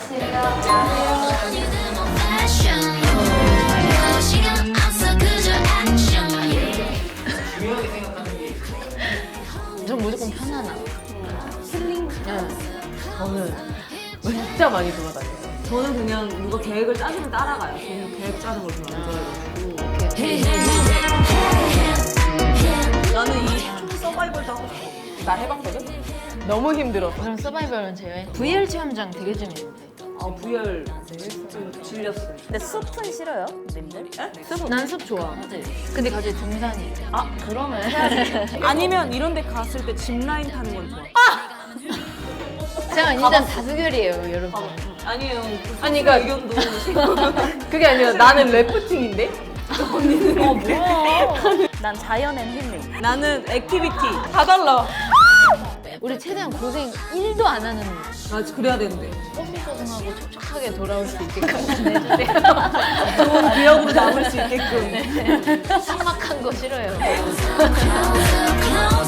중요하게 생각하는 게 전 무조건 편안함. 힐링? 네. 저는 진짜 많이 돌아다녀요. 저는 그냥 누가 계획을 짜주면 따라가요. 저는 계획 짜는 걸 별로 안 좋아해가지고. 나는 이 트루 서바이벌도 하고 싶어. 나 해봤거든? 너무 힘들어. 그럼 서바이벌은 제외. VR 체험장 되게 재밌는데. 아, VR 좀 질렸어요. 근데 숲은 싫어요, 님들? 난 숲 좋아. 근데 갑자기 등산이. 아, 그러면 해야지. 아니면 이런 데 갔을 때 짚라인 타는 건 좋아. 제가 일단 다수결이에요, 여러분. 아니에요. 아니, 그러니까 의견도. 그게 아니라 나는 래프팅인데? 뭐야? 난 자연 앤 힐링. 나는 액티비티. 다 달라. 우리 최대한 고생 1도 안 하는 아, 그래야 되는데. 뽀송뽀송하고 촉촉하게 돌아올 수 있게끔 해주세요. 좋은 기억으로 남을 수 있게끔. 삭막한 거 싫어요. closer, closer.